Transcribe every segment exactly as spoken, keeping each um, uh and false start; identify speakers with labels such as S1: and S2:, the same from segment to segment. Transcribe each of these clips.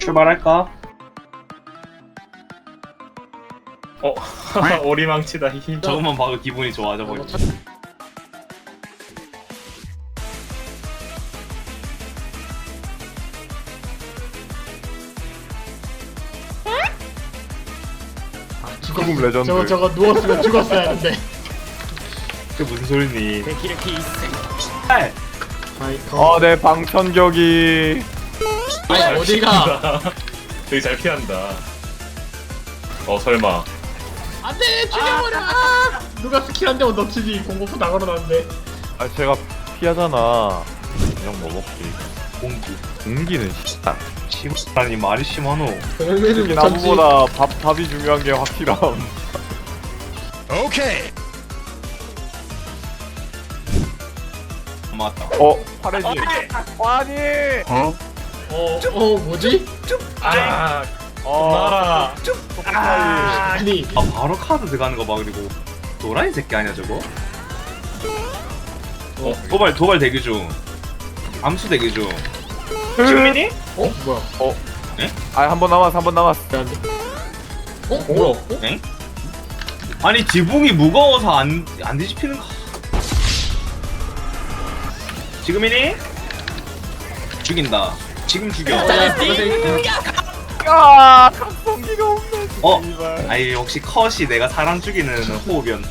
S1: 출발할까?
S2: 어, 오리망치다. 히.
S1: 저것만 봐도 기분이 좋아져 버리.
S3: 죽음 레전드.
S4: 저거 저거 누웠으면 죽었어야 하는데.
S1: 그 무슨 소리니?
S4: 아이,
S3: 어, 내 방천격이.
S4: 아니 어디가?
S2: 되게 잘 피한다. 어, 설마.
S4: 안돼 죽여버려. 아! 누가 스킬 한 대만 넣치지 공포포 다 걸어놨는데.
S3: 아, 제가 피하잖아. 그냥 뭐 먹지.
S1: 공기.
S3: 공기는 씨다.
S1: 심하니 말이 심하노.
S4: 그러면은
S3: 특히
S4: 못 참지.
S3: 나무보다 밥, 밥이 중요한 게 확실함.
S1: 맞다.
S3: 어, 파래지. 아니.
S4: 어, 어 뭐지?
S2: 아,
S3: 어,
S2: 나라.
S3: 아,
S4: 아니
S1: 아 바로 카드 들어가는 거 봐. 그리고 도라이 새끼 아니야 저거? 어 도발 도발 대기 중. 암수 대기 중. 지금이니?
S4: 어 뭐야?
S3: 어.
S1: 에?
S3: 아, 한 번 남았어, 한 번 남았어.
S4: 안 돼. 어 뭐야? 어?
S1: 엥? 아니 지붕이 무거워서 안 안 뒤집히는 거. 지금이니? 죽인다. 지금 죽여.
S3: 아, 각성기가 없네.
S1: 어?
S3: 씨발.
S1: 아니 역시 컷이 내가 사람 죽이는 호흡이었.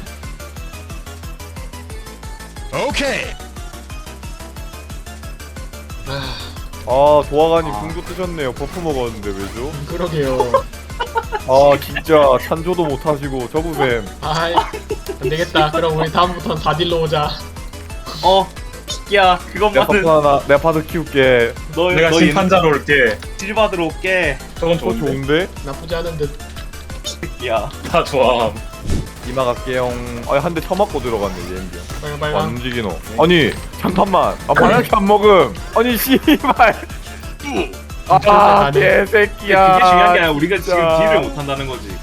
S3: 아, 도화관이
S1: 아.
S3: 궁도 뜨셨네요. 버프 먹었는데 왜죠?
S4: 그러게요.
S3: 아, 진짜 찬조도 못하시고 저부뱀.
S4: 아이 안 되겠다. 그럼 우리 다음부터는 사 딜로 오자.
S1: 어? 야
S3: 내가
S1: 그것만은
S3: 파트 하나, 내가 파트 키울게.
S1: 너
S2: 내가
S1: 너
S2: 심판자로 올게.
S1: 질 받으러 올게.
S2: 저건
S3: 어,
S2: 좋은데.
S3: 좋은데?
S4: 나쁘지 않은 듯.
S1: 야
S2: 다 좋아.
S3: 이마 갈게요. 아, 한 대 쳐맞고 들어갔네, 얘인데.
S4: 빨강
S3: 안
S4: 빨강.
S3: 움직이노. 아니, 잠깐만. 아, 뭐 이렇게 안 먹음. 아니, 씨발. 아,
S4: 가네.
S3: 개새끼야.
S1: 그게 중요한 게 아니라 우리가 지금
S3: 진짜.
S1: 딜을 못 한다는 거지.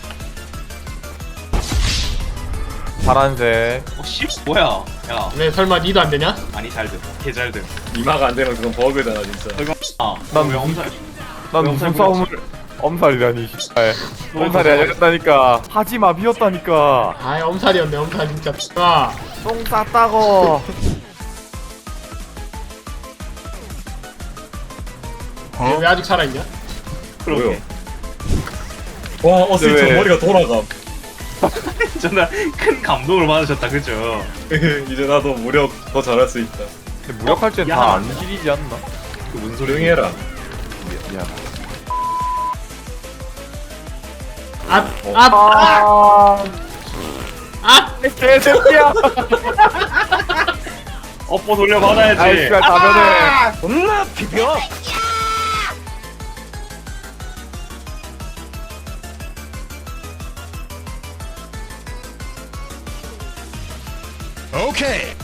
S3: 파란색.
S1: 어 씨 뭐야? 야
S4: 왜 설마 니도 안 되냐?
S1: 아니 잘돼. 개 잘돼.
S2: 이마가 안 되면 그건 버그잖아, 진짜.
S1: 설마 아,
S3: 난
S1: 왜
S3: 무슨-
S1: 엄살?
S3: 난
S1: 왜
S3: 무슨
S1: 엄살
S3: 싸움을. 엄살이라니, 씨발. 엄살이 아니었다니까. 하지마, 비었다니까.
S4: 아이 엄살이었네 엄살 진짜. 아
S3: 똥 쌌다고.
S4: 얘 왜 아직 살아있냐?
S1: 그러게.
S2: 와, 어스이
S3: 왜?
S2: 저 머리가 돌아감.
S1: 정말 큰 감동을 받으셨다 그죠?
S2: 이제 나도 무력 더 잘할 수 있다.
S3: 근데 무력할 땐
S1: 야.
S3: 다 안 길이지 않나?
S1: 그 무슨 소리?
S2: 조용히 해라.
S3: 미- 미안.
S4: 앞!
S3: 어.
S4: 앞!
S3: 아,
S4: 앞!
S3: 개새끼야.
S1: 업보 돌려 받아야지.
S3: 아이, 씨발, 다변해.
S1: 존나 비벼.
S5: Okay.